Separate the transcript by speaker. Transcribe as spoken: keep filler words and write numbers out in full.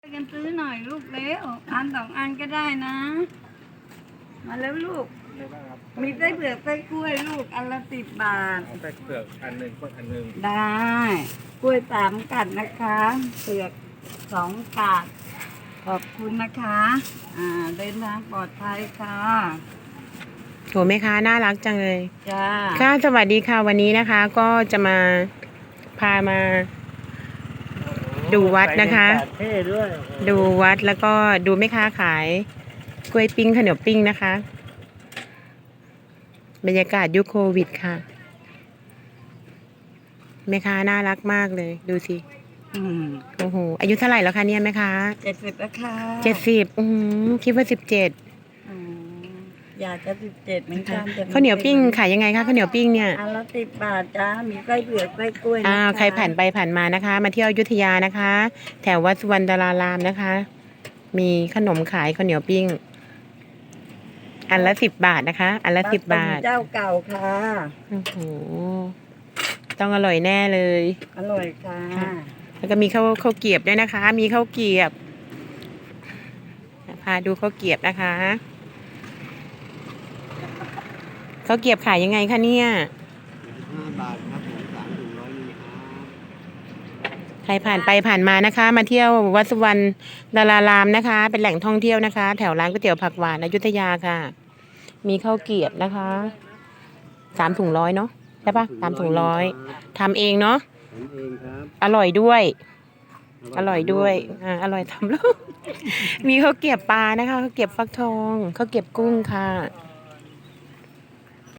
Speaker 1: กันซื้อหน่อยลูกเร็วอันสองอันก็ได้นะมาแล้วลูกมีไส้เผือกไส้กล้วยลูกอันละสิบบาท
Speaker 2: เอาไส้เผือกอันหนึ่งกล้วยอันหนึ่ง
Speaker 1: ได้กล้วยสามกัดนะคะเผือกสองกัดขอบคุณนะคะอ่าเดินทางปลอดภัยค่ะ
Speaker 3: โหแม่ค้าน่ารักจังเลย
Speaker 1: จ้า
Speaker 3: ค่ะสวัสดีค่ะวันนี้นะคะ ก็จะมาพามาดูวัดนะคะดูวัดแล้วก็ดูแม่ค้าขายกล้วยปิ้งข้าวเหนียวปิ้งนะคะบรรยากาศยุคโควิดค่ะแม่ค้าน่ารักมากเลยดูสิโอ้โหอายุเท่าไหร่แล้วคะเนี่ยแม่ค้า
Speaker 1: เจ็ดสิบแล้วค่ะ
Speaker 3: เจ็ดสิบอือคิดว่าสิบเจ็ด
Speaker 1: อยากจะสิบเจ็ดเหมือนกัน
Speaker 3: ข้าวเหนียวปิ้งขายยังไงคะข้าวเหนียวปิ้งเนี่ย
Speaker 1: อันละสิบบาทจ้ามีไส้เผือกไส้กล้วย
Speaker 3: อ้าวใครผ่านไปผ่านมานะคะมาเที่ยวอยุธยานะคะแถววัดสุวรรณดารารามนะคะมีขนมขายข้าวเหนียวปิ้งอันละสิบบาทนะคะอันละสิบบาท
Speaker 1: เจ้าเก่าค่ะ
Speaker 3: โอ้โหต้องอร่อยแน่เลย
Speaker 1: อร่อยค่ะ
Speaker 3: แล้วก็มีข้าวข้าวเกรียบด้วยนะคะมีข้าวเกรียบพาดูข้าวเกรียบนะคะข้าวเกรียบขายยังไงคะเนี่ย
Speaker 2: ห้าบาทครับผมสามถึงร้อยนี่ครับ
Speaker 3: ใครผ่านไปผ่านมานะคะมาเที่ยววัดสุวรรณดารารามนะคะเป็นแหล่งท่องเที่ยวนะคะแถวร้านก๋วยเตี๋ยวผักหวานอยุธยาค่ะมีข้าวเกรียบนะคะสามถุงร้อยเนาะใช่ปะสามถุงร้อยทำเองเนาะ
Speaker 2: ทำเองครับ
Speaker 3: อร่อยด้วยอร่อยด้วยอ่าอร่อยทำแล้วมีข้าวเกรียบปลานะคะข้าวเกรียบฟักทองข้าวเกรียบกุ้งค่ะ